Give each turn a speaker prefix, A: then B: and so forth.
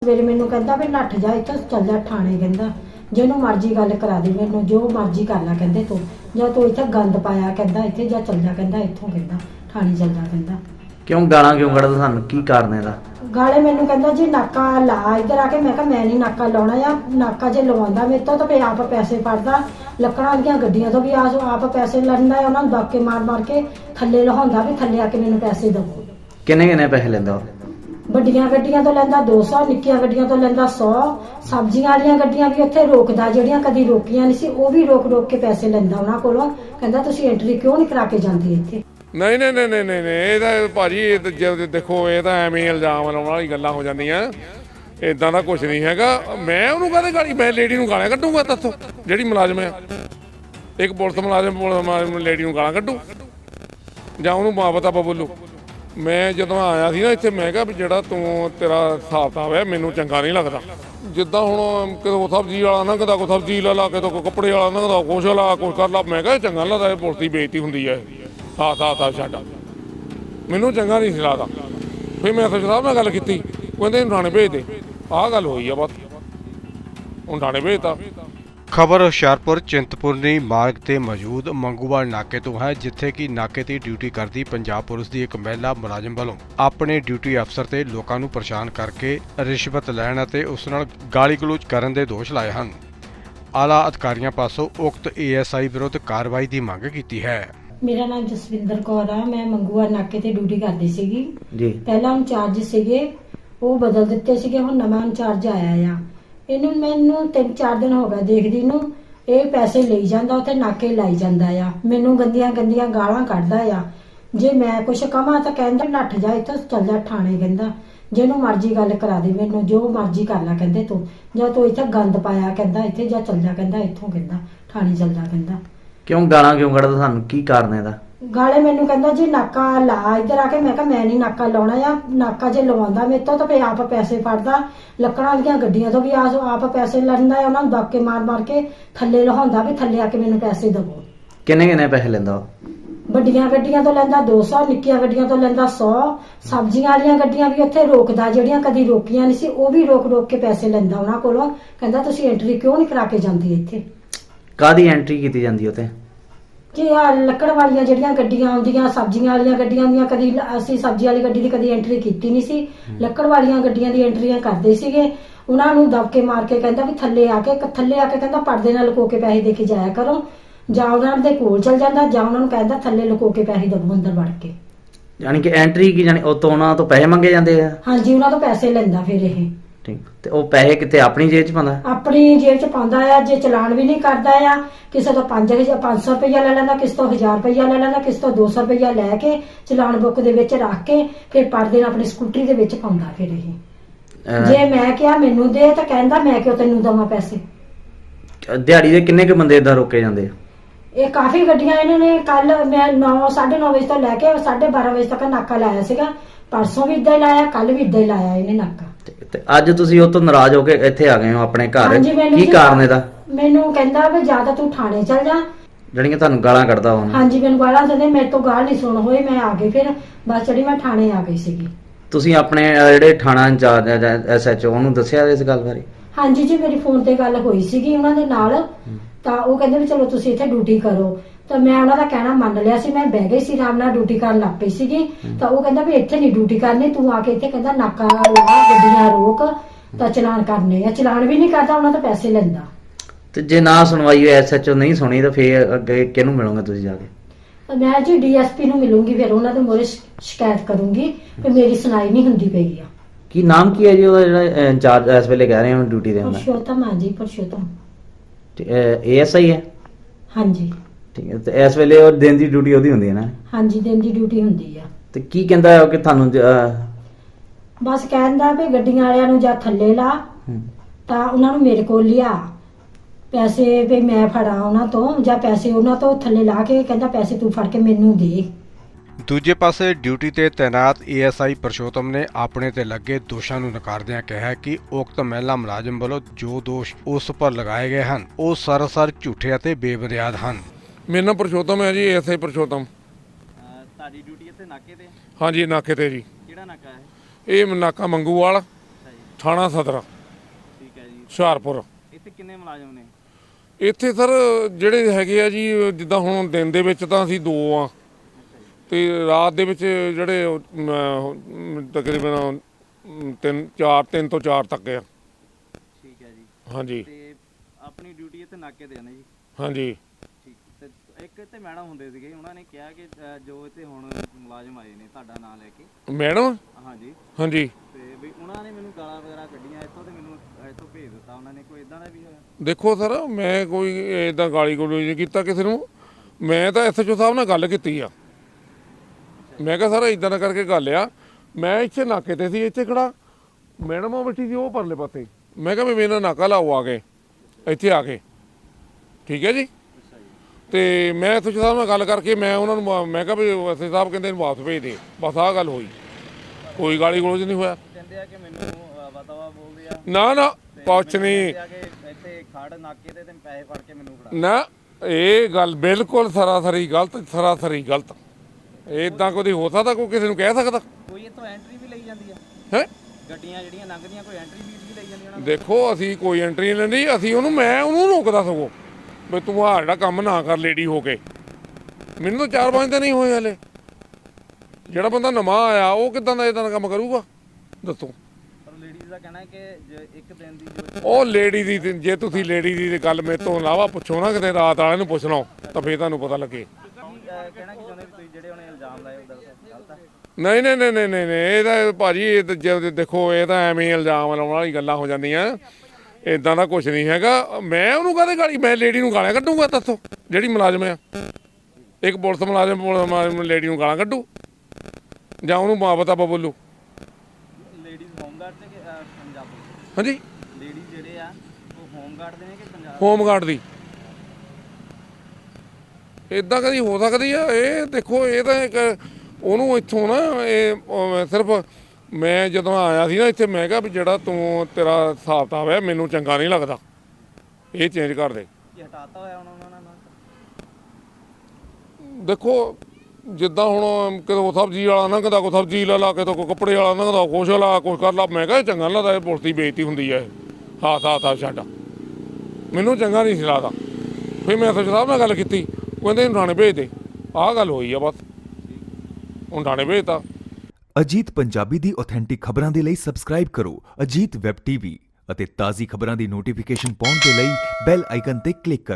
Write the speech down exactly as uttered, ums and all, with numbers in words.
A: ਸਵੇਰੇ ਮੈਨੂੰ ਕਹਿੰਦਾ ਵੀ ਨੱਠ ਜਾ ਇੱਥੋਂ ਚੱਲ ਜਾ ਥਾਣੇ। ਕਹਿੰਦਾ ਜਿਹਨੂੰ ਮਰਜ਼ੀ ਗੱਲ ਕਰਾ ਦੇ, ਮੈਨੂੰ ਜੋ ਮਰਜ਼ੀ ਕਰ ਲੈ ਕਹਿੰਦੇ ਤੂੰ, ਜਾਂ ਤੂੰ ਇੱਥੇ ਗੰਦ ਪਾਇਆ ਕਹਿੰਦਾ ਇੱਥੇ ਜਾ ਚੱਲ ਜਾ ਕਹਿੰਦਾ ਇੱਥੋਂ, ਕਹਿੰਦਾ ਥਾਣੇ ਚੱਲ ਜਾ। ਕਹਿੰਦਾ
B: ਕਿਉਂ ਗਾਲਾਂ ਕਿਉਂ ਕੱਢਦਾ ਤੁਹਾਨੂੰ, ਕੀ ਕਾਰਨ ਇਹਦਾ?
A: ਗਾਲੇ ਮੈਨੂੰ ਕਹਿੰਦਾ ਜੀ ਨਾਕਾ ਲਾ ਇੱਧਰ ਆ ਕੇ। ਮੈਂ ਕਿਹਾ ਮੈਂ ਨਹੀਂ ਨਾਕਾ ਲਾਉਣਾ ਆ, ਨਾਕਾ ਜੇ ਲਵਾਉਂਦਾ ਮੇਰੇ ਤੋਂ ਤਾਂ ਫਿਰ ਆਪ ਪੈਸੇ ਫੜਦਾ, ਲੱਕੜਾਂ ਦੀਆਂ ਗੱਡੀਆਂ ਤੋਂ ਵੀ ਆ ਆਪ ਪੈਸੇ ਲੈਂਦਾ, ਉਹਨਾਂ ਨੂੰ ਧੱਕੇ ਮਾਰ ਮਾਰ ਕੇ ਥੱਲੇ ਲਹਾਉਂਦਾ ਵੀ ਥੱਲੇ ਆ ਕੇ ਮੈਨੂੰ ਪੈਸੇ ਦੇਵੋ।
B: ਕਿੰਨੇ ਕਿੰਨੇ ਪੈਸੇ ਲੈਂਦਾ ਉਹ?
A: ਵੱਡੀਆਂ ਗੱਡੀਆਂ ਤੋਂ ਲੈਂਦਾ ਦੋ ਸੌ, ਨਿੱਕੀਆਂ ਗੱਡੀਆਂ ਤੋਂ ਲੈਂਦਾ ਸੌ, ਸਬਜ਼ੀਆਂ ਵਾਲੀਆਂ ਗੱਡੀਆਂ ਵੀ ਉੱਥੇ ਰੋਕਦਾ, ਜਿਹੜੀਆਂ ਕਦੀ ਰੋਕੀਆਂ ਨਹੀਂ ਸੀ ਉਹ ਵੀ ਰੋਕ ਰੋਕ ਕੇ ਪੈਸੇ ਲੈਂਦਾ ਉਹਨਾਂ ਕੋਲੋਂ। ਕਹਿੰਦਾ ਤੁਸੀਂ ਐਂਟਰੀ ਕਿਉਂ ਨਹੀਂ ਕਰਾ ਕੇ ਜਾਂਦੇ ਇੱਥੇ?
C: ਨਹੀਂ ਨਹੀਂ ਨਹੀਂ ਨਹੀਂ ਨਹੀਂ ਇਹ ਤਾਂ ਭਾਜੀ ਇਹ ਤਾਂ ਜੇ ਦੇਖੋ ਇਹ ਤਾਂ ਐਵੇਂ ਇਲਜ਼ਾਮ ਲਾਉਣ ਵਾਲੀ ਗੱਲਾਂ ਹੋ ਜਾਂਦੀਆਂ, ਇਦਾਂ ਦਾ ਕੁਝ ਨਹੀਂ ਹੈਗਾ। ਮੈਂ ਉਹਨੂੰ ਕਹਦੇ ਗਾਲੀ, ਮੈਂ ਲੇਡੀ ਨੂੰ ਗਾਲਾਂ ਕੱਢੂਗਾ? ਦੱਸੋ, ਜਿਹੜੀ ਮੁਲਾਜ਼ਮ ਆ, ਇੱਕ ਪੁਲਿਸ ਮੁਲਾਜ਼ਮ ਲੇਡੀ ਨੂੰ ਗਾਲਾਂ ਕੱਢੂ ਜਾਂ ਉਹਨੂੰ ਮਾਂ ਪਤਾ ਬੋਲੂ? ਮੈਂ ਜਦੋਂ ਆਇਆ ਸੀ ਨਾ ਇੱਥੇ, ਮੈਂ ਕਿਹਾ ਵੀ ਜਿਹੜਾ ਤੂੰ ਤੇਰਾ ਹਿਸਾਬ ਕਿਤਾਬ ਹੈ ਮੈਨੂੰ ਚੰਗਾ ਨਹੀਂ ਲੱਗਦਾ। ਜਿੱਦਾਂ ਹੁਣ ਕਿਤੇ ਸਬਜ਼ੀ ਵਾਲਾ ਨਾ ਕਿਤੇ ਕੋਈ ਸਬਜ਼ੀ ਲਾ ਲਾ, ਕਿਤੇ ਕੋਈ ਕੱਪੜੇ ਵਾਲਾ ਨਾ ਕਿਤੇ ਕੁਛ ਲਾ ਕੁਛ ਕਰ ਲਾ। ਮੈਂ ਕਿਹਾ ਚੰਗਾ ਲੱਗਦਾ, ਇਹ ਪੁਲਿਸ ਦੀ ਬੇਇੱਜ਼ਤੀ ਹੁੰਦੀ ਹੈ। ਹਾਂ ਹਾਂ ਹਾਂ ਛੱਡ, ਮੈਨੂੰ ਚੰਗਾ ਨਹੀਂ ਸੀ ਲੱਗਦਾ। ਫਿਰ ਮੈਂ ਐਸਐਚਓ ਸਾਹਿਬ ਨਾਲ ਗੱਲ ਕੀਤੀ, ਕਹਿੰਦੇ ਇਹਨੂੰ ਥਾਣੇ ਭੇਜ ਦੇ। ਆਹ ਗੱਲ ਹੋਈ ਆ, ਬਸ ਹੁਣ ਥਾਣੇ ਭੇਜਤਾ।
D: ਖਬਰ ਹੁਸ਼ਿਆਰਪੁਰ ਚਿੰਤਪੁਰਨੀ ਮਾਰਗ ਤੇ ਮੌਜੂਦ ਮੰਗੂਵਾਲ ਨਾਕੇ ਤੋਂ ਹੈ, ਜਿੱਥੇ ਕਿ ਨਾਕੇ ਤੇ ਡਿਊਟੀ ਕਰਦੀ ਪੰਜਾਬ ਪੁਲਿਸ ਦੀ ਇੱਕ ਮਹਿਲਾ ਮੁਲਾਜ਼ਮ ਵੱਲੋਂ ਆਪਣੇ ਡਿਊਟੀ ਅਫਸਰ ਤੇ ਲੋਕਾਂ ਨੂੰ ਪਰੇਸ਼ਾਨ ਕਰਕੇ ਰਿਸ਼ਵਤ ਲੈਣ ਅਤੇ ਉਸ ਨਾਲ ਗਾਲੀ ਗਲੋਚ ਕਰਨ ਦੇ ਦੋਸ਼ ਲਾਏ ਹਨ। ਆਲਾ ਅਧਿਕਾਰੀਆਂ ਪਾਸੋਂ ਉਕਤ ਏਐਸਆਈ ਵਿਰੁੱਧ ਕਾਰਵਾਈ ਦੀ ਮੰਗ ਕੀਤੀ ਹੈ।
A: ਮੇਰਾ ਨਾਮ ਜਸਵਿੰਦਰ ਕੌਰ ਆ, ਮੈਂ ਮੰਗੂਵਾਲ ਨਾਕੇ ਤੇ ਡਿਊਟੀ ਕਰਦੀ ਸੀਗੀ
B: ਜੀ।
A: ਪਹਿਲਾਂ ਇੰਚਾਰਜ ਸੀਗੇ, ਉਹ ਬਦਲ ਦਿੱਤੇ ਸੀਗੇ, ਹੁਣ ਨਵਾਂ ਇੰਚਾਰਜ ਆਇਆ ਆ। ਇਹਨੂੰ ਮੈਨੂੰ ਤਿੰਨ ਚਾਰ ਦਿਨ ਹੋ ਗਏ ਦੇਖਦੀ ਨੂੰ, ਇਹ ਪੈਸੇ ਲਈ ਜਾਂਦਾ ਉੱਥੇ ਨਾਕੇ ਲਾਈ ਜਾਂਦਾ ਆ, ਮੈਨੂੰ ਗੰਦੀਆਂ ਗੰਦੀਆਂ ਗਾਲਾਂ ਕੱਢਦਾ ਆ। ਜੇ ਮੈਂ ਕੁਛ ਕਹਾਂ ਤਾਂ ਕਹਿੰਦਾ ਨੱਠ ਜਾ ਇੱਥੋਂ ਚੱਲ ਜਾ ਥਾਣੇ। ਕਹਿੰਦਾ ਜਿਹਨੂੰ ਮਰਜ਼ੀ ਗੱਲ ਕਰਾ ਦੇ, ਮੈਨੂੰ ਜੋ ਮਰਜ਼ੀ ਕਰ ਲੈ ਕਹਿੰਦੇ ਤੂੰ, ਜਾਂ ਤੂੰ ਇੱਥੇ ਗੰਦ ਪਾਇਆ ਕਹਿੰਦਾ ਇੱਥੇ ਜਾ ਚੱਲ ਜਾ, ਕਹਿੰਦਾ ਇੱਥੋਂ, ਕਹਿੰਦਾ ਥਾਣੇ ਚੱਲ ਜਾ। ਕਹਿੰਦਾ
B: ਕਿਉਂ ਗਾਲਾਂ ਕਿਉਂ ਕੱਢਦਾ ਤੁਹਾਨੂੰ, ਕੀ ਕਾਰਨ ਇਹਦਾ?
A: ਗਾਲੇ ਮੈਨੂੰ ਕਹਿੰਦਾ ਜੀ ਨਾਕਾ ਲਾ ਇੱਧਰ ਆ ਕੇ। ਮੈਂ ਕਿਹਾ ਮੈਂ ਨਹੀਂ ਨਾਕਾ ਲਾਉਣਾ ਆ, ਨਾਕਾ ਜੇ ਲਵਾਉਂਦਾ ਮੇਰੇ ਤੋਂ ਤਾਂ ਫਿਰ ਆਪ ਪੈਸੇ ਫੜਦਾ, ਲੱਕੜਾਂ ਦੀਆਂ ਗੱਡੀਆਂ ਤੋਂ ਵੀ ਆ ਆਪ ਪੈਸੇ ਲੈਂਦਾ, ਉਹਨਾਂ ਨੂੰ ਧੱਕੇ ਮਾਰ ਮਾਰ ਕੇ ਥੱਲੇ ਲਹਾਉਂਦਾ ਵੀ ਥੱਲੇ ਆ ਕੇ ਮੈਨੂੰ ਪੈਸੇ ਦੇਵੋ।
B: ਕਿੰਨੇ ਕਿੰਨੇ ਪੈਸੇ ਲੈਂਦਾ ਉਹ?
A: ਵੱਡੀਆਂ ਗੱਡੀਆਂ ਤੋਂ ਲੈਂਦਾ ਦੋ ਸੌ, ਨਿੱਕੀਆਂ ਗੱਡੀਆਂ ਤੋਂ ਲੈਂਦਾ ਸੌ, ਸਬਜ਼ੀਆਂ ਵਾਲੀਆਂ ਗੱਡੀਆਂ ਵੀ ਉੱਥੇ ਰੋਕਦਾ, ਜਿਹੜੀਆਂ ਕਦੀ ਰੋਕੀਆਂ ਨਹੀਂ ਸੀ ਉਹ ਵੀ ਰੋਕ ਰੋਕ ਕੇ ਪੈਸੇ ਲੈਂਦਾ ਉਹਨਾਂ ਕੋਲੋਂ। ਕਹਿੰਦਾ ਤੁਸੀਂ ਐਂਟਰੀ ਕਿਉਂ ਨਹੀਂ ਕਰਾ ਕੇ ਜਾਂਦੇ ਇੱਥੇ?
B: ਕਾਹਦੀ ਐਂਟਰੀ ਕੀਤੀ ਜਾਂਦੀ ਉੱਥੇ?
A: ਜੀ ਆ ਲੱਕੜ ਵਾਲੀਆਂ ਜਿਹੜੀਆਂ ਗੱਡੀਆਂ ਆਉਂਦੀਆਂ, ਸਬਜ਼ੀਆਂ ਵਾਲੀਆਂ ਗੱਡੀਆਂ ਦੀਆਂ, ਕਦੀ ਅਸੀਂ ਸਬਜ਼ੀ ਵਾਲੀ ਗੱਡੀ ਦੀ ਕਦੀ ਐਂਟਰੀ ਕੀਤੀ ਨਹੀਂ ਸੀ, ਲੱਕੜ ਵਾਲੀਆਂ ਗੱਡੀਆਂ ਦੀ ਐਂਟਰੀਆਂ ਕਰਦੇ ਸੀਗੇ। ਉਹਨਾਂ ਨੂੰ ਦਬਕੇ ਮਾਰ ਕੇ ਕਹਿੰਦਾ ਵੀ ਥੱਲੇ ਆ ਕੇ ਥੱਲੇ ਆ ਕੇ ਕਹਿੰਦਾ ਪਰਦੇ ਨਾਲ ਲੁਕੋ ਕੇ ਪੈਸੇ ਦੇ ਕੇ ਜਾਇਆ ਕਰੋ, ਜਾਂ ਉਹਨਾਂ ਦੇ ਕੋਲ ਚਲ ਜਾਂਦਾ, ਜਾਂ ਉਹਨਾਂ ਨੂੰ ਕਹਿੰਦਾ ਥੱਲੇ ਲੁਕੋ ਕੇ ਪੈਸੇ ਦਬੋ ਅੰਦਰ ਵੜ ਕੇ।
B: ਯਾਨੀ ਕਿ ਐਂਟਰੀ ਕੀ, ਜਾਨੀ ਉਹ ਤੋਂ ਉਹਨਾਂ ਤੋਂ ਪੈਸੇ ਮੰਗੇ ਜਾਂਦੇ ਆ?
A: ਹਾਂਜੀ, ਉਹਨਾਂ ਤੋਂ ਪੈਸੇ ਲੈਂਦਾ ਫਿਰ ਇਹ।
B: ਠੀਕ, ਤੇ ਉਹ ਪੈਸੇ ਕਿਤੇ ਆਪਣੀ ਜੇਬ 'ਚ ਪਾਉਂਦਾ?
A: ਆਪਣੀ ਜੇਬ 'ਚ ਪਾਉਂਦਾ ਆ। ਜੇ ਚਲਾਨ ਵੀ ਨਹੀਂ ਕਰਦਾ ਆ, ਕਿਸੇ ਤੋਂ ਪੰਜ ਹਜ਼ਾਰ ਪੰਜ ਸੌ ਰੁਪਇਆ ਲੈ ਲੈਂਦਾ, ਕਿਸੇ ਤੋਂ ਹਜ਼ਾਰ ਰੁਪਇਆ ਲੈ ਲੈਂਦਾ, ਕਿਸੇ ਤੋਂ ਦੋ ਸੌ ਰੁਪਇਆ ਲੈ ਕੇ ਚਲਾਨ ਬੁੱਕ ਦੇ ਵਿੱਚ ਰੱਖ ਕੇ ਫਿਰ ਪਰਦੇ ਨਾਲ ਆਪਣੀ ਸਕੂਟਰੀ ਦੇ ਵਿੱਚ ਪਾਉਂਦਾ। ਫਿਰ ਇਹ ਜੇ ਮੈਂ ਕਿਹਾ ਮੈਨੂੰ ਦੇ ਤਾਂ ਕਹਿੰਦਾ ਮੈਂ ਕਿਉਂ ਤੈਨੂੰ ਦੇਵਾਂ ਪੈਸੇ।
B: ਦਿਹਾੜੀ ਦੇ ਕਿੰਨੇ ਕੁ ਬੰਦੇ ਏਦਾਂ ਰੋਕੇ ਜਾਂਦੇ?
A: ਇਹ ਕਾਫੀ ਗੱਡੀਆਂ ਇਹਨਾਂ ਨੇ, ਕੱਲ ਮੈਂ ਨੌ ਸਾਢੇ ਨੌ ਵਜੇ ਤੋਂ ਲੈ ਕੇ ਸਾਢੇ ਬਾਰਾਂ ਵਜੇ ਤੱਕ ਨਾਕਾ ਲਾਇਆ ਸੀਗਾ, ਪਰਸੋਂ ਵੀ ਇਦਾਂ ਹੀ ਲਾਇਆ, ਕੱਲ ਵੀ ਇਦਾਂ ਹੀ ਲਾਇਆ ਇਹਨੇ ਨਾਕਾ।
B: ਤੇ ਅੱਜ ਤੁਸੀਂ ਉਹ ਤੋਂ ਨਾਰਾਜ਼ ਹੋ ਕੇ ਇੱਥੇ ਆ ਗਏ ਹੋ ਆਪਣੇ ਘਰ, ਕੀ ਕਾਰਨ ਇਹਦਾ?
A: ਮੈਨੂੰ ਕਹਿੰਦਾ ਵੀ ਜਾਂ ਤਾਂ ਤੂੰ ਥਾਣੇ ਚੱਲ ਜਾ,
B: ਜਿਹੜੀਆਂ ਤੁਹਾਨੂੰ ਗਾਲਾਂ ਕੱਢਦਾ ਉਹ?
A: ਹਾਂਜੀ, ਮੈਨੂੰ ਗਾਲਾਂ ਦਿੰਦੇ, ਮੇਰੇ ਤੋਂ ਗਾਲ ਨਹੀਂ ਸੁਣ ਹੋਈ। ਮੈਂ ਆ ਗਈ, ਫਿਰ ਬਸ ਚੜੀ ਮੈਂ ਥਾਣੇ ਆ ਗਈ ਸੀਗੀ।
B: ਤੁਸੀਂ ਆਪਣੇ ਜਿਹੜੇ ਥਾਣਾ ਇੰਚਾਰਜ ਐਸਐਚਓ ਉਹਨੂੰ ਦੱਸਿਆ ਇਸ ਗੱਲ ਬਾਰੇ?
A: ਹਾਂਜੀ ਜੀ, ਮੇਰੀ ਫੋਨ ਤੇ ਗੱਲ ਹੋਈ ਸੀਗੀ ਉਹਨਾਂ ਦੇ ਨਾਲ, ਤਾਂ ਉਹ ਕਹਿੰਦੇ ਵੀ ਚਲੋ ਤੁਸੀਂ ਇੱਥੇ ਡਿਊਟੀ ਕਰੋ। ਤਾਂ ਮੈਂ ਉਹਨਾਂ ਦਾ ਕਹਿਣਾ ਮੰਨ ਲਿਆ ਸੀ, ਮੈਂ ਬਹਿ ਗਈ ਸੀ ਆਰਾਮ ਨਾਲ, ਡਿਊਟੀ ਕਰਨ ਲੱਗ ਪਈ ਸੀਗੀ। ਤਾਂ ਉਹ ਕਹਿੰਦਾ ਵੀ ਇੱਥੇ ਨਹੀਂ ਡਿਊਟੀ ਕਰਨੀ, ਤੂੰ ਆ ਕੇ ਇੱਥੇ ਕਹਿੰਦਾ ਨਾਕਾ ਲਾ, ਗੱਡੀਆਂ ਰੋਕ, ਤਾਂ ਚਲਾਨ ਕਰਨੇ ਆ। ਚਲਾਨ ਵੀ ਨਹੀਂ ਕਰਦਾ, ਉਹਨਾਂ ਤੋਂ ਪੈਸੇ ਲੈਂਦਾ। ਤੇ
B: ਜੇ ਨਾ ਸੁਣਵਾਈ ਹੋਈ, ਐਸਐਚਓ ਨਹੀਂ ਸੁਣੀ, ਤਾਂ ਫੇਰ ਅੱਗੇ ਕਿਹਨੂੰ ਮਿਲੋਗੇ ਤੁਸੀਂ ਜਾ ਕੇ?
A: ਮੈਂ ਜੀ ਡੀਐਸਪੀ ਨੂੰ ਮਿਲੂੰਗੀ, ਫਿਰ ਉਹਨਾਂ ਦੇ ਮੋਰੇ ਸ਼ਿਕਾਇਤ ਕਰੂੰਗੀ ਕਿ ਮੇਰੀ ਸੁਣਾਈ ਨਹੀਂ ਹੁੰਦੀ ਪਈ ਆ।
B: ਕੀ ਨਾਮ ਕੀ ਹੈ ਜੀ ਉਹਦਾ ਜਿਹੜਾ ਇੰਚਾਰਜ ਇਸ ਵੇਲੇ ਕਹਿ ਰਹੇ ਹੋ ਡਿਊਟੀ ਦੇ ਹੁੰਦਾ?
A: ਪੁਰਸ਼ੋਤਮ ਹਾਂ ਜੀ, ਪੁਰਸ਼ੋਤਮ।
B: ਏਐਸਆਈ ਹੈ?
A: ਹਾਂਜੀ।
B: ਠੀਕ ਹੈ, ਤੇ ਇਸ ਵੇਲੇ ਉਹ ਦਿਨ ਦੀ ਡਿਊਟੀ ਉਹਦੀ ਹੁੰਦੀ ਹੈ ਨਾ?
A: ਹਾਂਜੀ, ਦਿਨ ਦੀ ਡਿਊਟੀ ਹੁੰਦੀ ਆ।
B: ਤੇ ਕੀ ਕਹਿੰਦਾ ਹੈ ਕਿ ਤੁਹਾਨੂੰ?
A: ਬਸ ਕਹਿੰਦਾ ਵੀ ਗੱਡੀਆਂ ਵਾਲਿਆਂ ਨੂੰ ਜਾਂ ਥੱਲੇ ਲਾ, ਤਾਂ ਉਹਨਾਂ ਨੂੰ ਮੇਰੇ ਕੋਲ ਲਿਆ ਪੈਸੇ, ਵੀ ਮੈਂ ਫੜਾ ਉਹਨਾਂ ਤੋਂ, ਜਾਂ ਪੈਸੇ ਉਹਨਾਂ ਤੋਂ ਥੱਲੇ ਲਾ ਕੇ ਕਹਿੰਦਾ ਪੈਸੇ ਤੂੰ ਫੜ ਕੇ ਮੈਨੂੰ ਦੇ।
D: ਦੂਜੇ ਪਾਸੇ ਡਿਊਟੀ ਤੇ ਤੈਨਾਤ ਏਐਸਆਈ ਪੁਰਸ਼ੋਤਮ ਨੇ ਆਪਣੇ ਤੇ ਲੱਗੇ ਦੋਸ਼ਾਂ ਨੂੰ ਨਕਾਰਦਿਆਂ ਕਿਹਾ ਕਿ ਉਕਤ ਮਹਿਲਾ ਮੁਲਾਜ਼ਮ ਵੱਲੋਂ ਜੋ ਦੋਸ਼ ਉਸ ਉੱਪਰ ਲਗਾਏ ਗਏ ਹਨ ਉਹ ਸਰਾਸਰ ਝੂਠੇ ਅਤੇ ਬੇਬੁਨਿਆਦ ਹਨ।
C: ਮੇਰਾ ਨਾਮ ਪੁਰਸ਼ੋਤਮ ਹੈ ਜੀ, ਏਐਸਆਈ ਪੁਰਸ਼ੋਤਮ।
E: ਤੁਹਾਡੀ ਡਿਊਟੀ ਇੱਥੇ ਨਾਕੇ ਤੇ?
C: ਹਾਂਜੀ, ਨਾਕੇ ਤੇ ਜੀ।
E: ਕਿਹੜਾ ਨਾਕਾ ਹੈ
C: ਇਹ? ਨਾਕਾ ਮੰਗੂਵਾਲ ਥਾਣਾ ਸਦਰ
E: ਠੀਕ ਹੈ ਜੀ।
C: ਹੁਸ਼ਿਆਰਪੁਰ।
E: ਇੱਥੇ ਕਿੰਨੇ ਮੁਲਾਜ਼ਮ ਨੇ?
C: ਇੱਥੇ ਸਰ ਜਿਹੜੇ ਹੈਗੇ ਆ ਜੀ, ਜਿੱਦਾਂ ਹੁਣ ਦਿਨ ਦੇ ਵਿੱਚ ਤਾਂ ਅਸੀਂ ਦੋ ਆ, ਤੇ ਰਾਤ ਦੇ ਵਿੱਚ ਜਿਹੜੇ ਉਹ, ਅਮ, ਤਕਰੀਬਨ ਅਮ, ਤਿੰਨ ਚਾਰ ਤਿੰਨ ਤੋਂ ਚਾਰ ਤੱਕ ਆ।
E: ਠੀਕ ਹੈ ਜੀ।
C: ਹਾਂਜੀ
E: ਤੇ ਆਪਣੀ ਡਿਊਟੀ ਇੱਥੇ ਨਾਕੇ ਤੇ ਆ ਨਾ ਜੀ?
C: ਹਾਂਜੀ।
E: ਠੀਕ। ਤੇ ਇੱਕ ਇੱਥੇ ਮੈਡਮ ਹੁੰਦੇ ਸੀਗੇ, ਉਹਨਾਂ ਨੇ ਕਿਹਾ ਕਿ ਅ, ਜੋ ਇੱਥੇ ਹੁਣ ਮੁਲਾਜ਼ਮ ਆਏ ਨੇ ਤੁਹਾਡਾ ਨਾਮ ਲੈ ਕੇ।
C: ਮੈਡਮ?
E: ਹਾਂਜੀ
C: ਹਾਂਜੀ।
E: ਤੇ ਵੀ ਉਹਨਾਂ ਨੇ ਮੈਨੂੰ ਗਾਲਾਂ ਵਗੈਰਾ ਕੱਢੀਆਂ ਇੱਥੋਂ, ਤੇ ਮੈਨੂੰ ਇੱਥੋਂ ਭੇਜ ਦਿੱਤਾ ਉਹਨਾਂ ਨੇ। ਕੋਈ ਇਦਾਂ ਦਾ ਵੀ ਹੋਇਆ?
C: ਦੇਖੋ ਸਰ, ਮੈਂ ਕੋਈ ਇਦਾਂ ਗਾਲੀ ਗਲੋਚ ਨਹੀਂ ਕੀਤਾ ਕਿਸੇ ਨੂੰ। ਮੈਂ ਤਾਂ ਐਸਐਚਓ ਸਾਹਿਬ ਨਾਲ ਗੱਲ ਕੀਤੀ ਆ। ਮੈਂ ਕਿਹਾ ਸਰ ਇਦਾਂ ਦਾ ਕਰਕੇ ਗੱਲ ਆ, ਮੈਂ ਇੱਥੇ ਨਾਕੇ ਤੇ ਸੀ, ਇੱਥੇ ਖੜਾ, ਮੈਡਮ ਉਹ ਬੈਠੀ ਸੀ ਉਹ ਪਰਲੇ ਪਾਸੇ। ਮੈਂ ਕਿਹਾ ਵੀ ਮੇਰੇ ਨਾਲ ਨਾਕਾ ਲਾਓ ਆ ਕੇ, ਇੱਥੇ ਆ ਕੇ। ਠੀਕ ਹੈ ਜੀ। ਤੇ ਮੈਂ ਐਸਐਚਓ ਸਾਹਿਬ ਨਾਲ ਗੱਲ ਕਰਕੇ ਮੈਂ ਉਹਨਾਂ ਨੂੰ ਮੈਂ ਕਿਹਾ ਵੀ ਐਸਐਚਓ ਸਾਹਿਬ ਕਹਿੰਦੇ ਇਹਨੂੰ ਵਾਪਸ ਭੇਜ ਦੇ, ਬਸ ਆਹ ਗੱਲ ਹੋਈ। ਕੋਈ ਗਾਲੀ ਗਲੋਚ ਨਹੀਂ ਹੋਇਆ।
E: ਕਹਿੰਦੇ ਆ ਕਿ ਮੈਨੂੰ ਵਤਾਵਾ ਬੋਲਦੇ ਆ।
C: ਨਾ ਨਾ ਕੁਛ ਨਹੀਂ।
E: ਇੱਥੇ ਖੜ ਨਾਕੇ ਤੇ ਤੇ ਪੈਸੇ ਫੜ ਕੇ ਮੈਨੂੰ ਫੜਾ।
C: ਨਾ ਇਹ ਗੱਲ ਬਿਲਕੁਲ ਸਰਾਸਰੀ ਗਲਤ, ਸਰਾਸਰੀ ਗਲਤ। ਇਦਾਂ ਕਦੇ ਹੋ ਸਕਦਾ? ਕੋਈ ਕਿਸੇ ਨੂੰ ਕਹਿ ਸਕਦਾ?
E: ਕੋਈ ਇੱਥੋਂ ਐਂਟਰੀ ਵੀ ਲਈ ਜਾਂਦੀ ਆ
C: ਹੈ?
E: ਗੱਡੀਆਂ ਜਿਹੜੀਆਂ ਲੰਘਦੀਆਂ, ਕੋਈ ਐਂਟਰੀ ਵੀ ਲਈ ਜਾਂਦੀ ਉਹਨਾਂ ਨੂੰ?
C: ਦੇਖੋ ਅਸੀਂ ਕੋਈ ਐਂਟਰੀ ਨਹੀਂ ਲੈਂਦੀ, ਅਸੀਂ ਉਹਨੂੰ ਮੈਂ ਉਹਨੂੰ ਰੋਕਦਾ ਸਗੋਂ ਵੀ ਤੂੰ ਆਹ ਜਿਹੜਾ ਕੰਮ ਨਾ ਕਰ ਲੇਡੀ ਹੋ ਕੇ। ਮੈਨੂੰ ਤਾਂ ਚਾਰ ਪੰਜ ਦਿਨ ਨਹੀਂ ਹੋਏ ਹਲੇ। ਜਿਹੜਾ ਬੰਦਾ ਨਵਾਂ ਆਇਆ ਉਹ ਕਿੱਦਾਂ ਦਾ ਇਦਾਂ ਦਾ ਕੰਮ ਕਰੂਗਾ ਦੱਸੋ?
E: ਪਰ ਲੇਡੀਜ਼ ਦਾ ਕਹਿਣਾ ਹੈ ਕਿ ਜੇ ਇੱਕ ਦਿਨ ਦੀ ਜੋ
C: ਉਹ ਲੇਡੀ ਦੀ, ਜੇ ਤੁਸੀਂ ਲੇਡੀ ਦੀ ਗੱਲ ਮੇਰੇ ਤੋਂ ਇਲਾਵਾ ਪੁੱਛੋ ਨਾ, ਕਿਤੇ ਰਾਤ ਵਾਲਿਆਂ ਨੂੰ ਪੁੱਛ ਲਓ ਤਾਂ ਫੇਰ ਤੁਹਾਨੂੰ ਪਤਾ ਲੱਗੇ।
E: ਕੀ ਅਹ, ਕਹਿਣਾ ਕੀ ਚਾਹੁੰਦੇ ਵੀ ਤੁਸੀਂ ਜਿਹੜੇ ਉਹਨੇ ਇਲਜ਼ਾਮ ਲਾਏ ਉਹ ਗਲਤ ਆ?
C: ਨਹੀਂ ਨਹੀਂ ਨਹੀਂ ਨਹੀਂ ਨਹੀਂ ਨਹੀਂ, ਇਹ ਤਾਂ ਭਾਜੀ ਇਹ ਤਾਂ ਜੇ ਦੇਖੋ ਇਹ ਤਾਂ ਐਵੇਂ ਹੀ ਇਲਜ਼ਾਮ ਲਾਉਣ ਵਾਲੀ ਗੱਲਾਂ ਹੋ ਜਾਂਦੀਆਂ। ਇਦਾਂ ਦਾ ਕੁਝ ਨਹੀਂ ਹੈਗਾ। ਮੈਂ ਉਹਨੂੰ ਕਾਹਦੇ ਗਾਲੀ, ਮੈਂ ਲੇਡੀ ਨੂੰ ਗਾਲਾਂ ਕੱਢੂੰਗਾ ਦੱਸੋ? ਜਿਹੜੀ ਮੁਲਾਜ਼ਮ ਆ, ਇੱਕ ਪੁਲਿਸ ਮੁਲਾਜ਼ਮ ਪੁਲਿਸ ਮੁਲਾਜ਼ਮ ਲੇਡੀ ਨੂੰ ਗਾਲਾਂ ਕੱਢੂ ਜਾਂ ਉਹਨੂੰ ਮਾਂ ਬਤਾਬਾ ਬੋਲੂ?
E: ਲੇਡੀਜ਼ ਹੋਮਗਾਰਡ ਤੇ ਕਿ ਅਹ, ਪੰਜਾਬ ਪੁਲਿਸ?
C: ਹਾਂਜੀ।
E: ਲੇਡੀਜ਼ ਜਿਹੜੇ ਆ ਉਹ ਹੋਮਗਾਰਡ ਦੇ ਨੇ ਕਿ ਪੰਜਾਬ?
C: ਹੋਮਗਾਰਡ ਦੀ। ਇਦਾਂ ਕਦੀ ਹੋ ਸਕਦੀ ਆ? ਇਹ ਦੇਖੋ ਇਹ ਤਾਂ ਇੱਕ ਉਹਨੂੰ ਇੱਥੋਂ ਨਾ ਇਹ ਅਹ, ਸਿਰਫ ਮੈਂ ਜਦੋਂ ਆਇਆ ਸੀ ਨਾ ਇੱਥੇ, ਮੈਂ ਕਿਹਾ ਵੀ ਜਿਹੜਾ ਤੂੰ ਤੇਰਾ ਹਿਸਾਬ ਕਿਤਾਬ ਹੈ ਮੈਨੂੰ ਚੰਗਾ ਨਹੀਂ ਲੱਗਦਾ, ਇਹ ਚੇਂਜ ਕਰ ਦੇ।
E: ਕੀ ਹਟਾਤਾ ਹੋਇਆ ਉਹਨਾਂ ਉਹਨਾਂ ਨਾਲ?
C: ਦੇਖੋ ਜਿੱਦਾਂ ਹੁਣ ਕਿਤੋਂ ਸਬਜ਼ੀ ਵਾਲਾ ਲੰਘਦਾ, ਕੋਈ ਸਬਜ਼ੀ ਲਾ ਲਾ, ਕਿਤੋਂ ਕੋਈ ਕੱਪੜੇ ਵਾਲਾ ਲੰਘਦਾ, ਕੁਛ ਲਾ ਕੁਛ ਕਰ ਲਾ। ਮੈਂ ਕਿਹਾ ਚੰਗਾ ਨਹੀਂ ਲੱਗਦਾ, ਇਹ ਪੁਲਿਸ ਦੀ ਬੇਇੱਜ਼ਤੀ ਹੁੰਦੀ ਹੈ। ਹਾਥ ਹਾਥ ਆ ਛੱਡ, ਮੈਨੂੰ ਚੰਗਾ ਨਹੀਂ ਸੀ ਲੱਗਦਾ। ਫਿਰ ਮੈਂ ਐਸਐਚਓ ਸਾਹਿਬ ਨਾਲ ਗੱਲ ਕੀਤੀ, ਉਹ ਕਹਿੰਦੇ ਇਹਨੂੰ ਥਾਣੇ ਭੇਜ ਦੇ। ਆਹ ਗੱਲ ਹੋਈ ਆ ਬਸ, ਹੁਣ ਥਾਣੇ ਭੇਜਤਾ।
F: ਅਜੀਤ ਪੰਜਾਬੀ ਦੀ ਆਥੈਂਟਿਕ ਖਬਰਾਂ ਦੇ ਲਈ ਸਬਸਕ੍ਰਾਈਬ ਕਰੋ ਅਜੀਤ ਵੈਬ ਟੀਵੀ ਅਤੇ ਤਾਜ਼ੀ ਖਬਰਾਂ ਦੀ ਨੋਟੀਫਿਕੇਸ਼ਨ ਪਾਉਣ ਦੇ ਲਈ ਬੈਲ ਆਈਕਨ ਤੇ ਕਲਿੱਕ ਕਰੋ।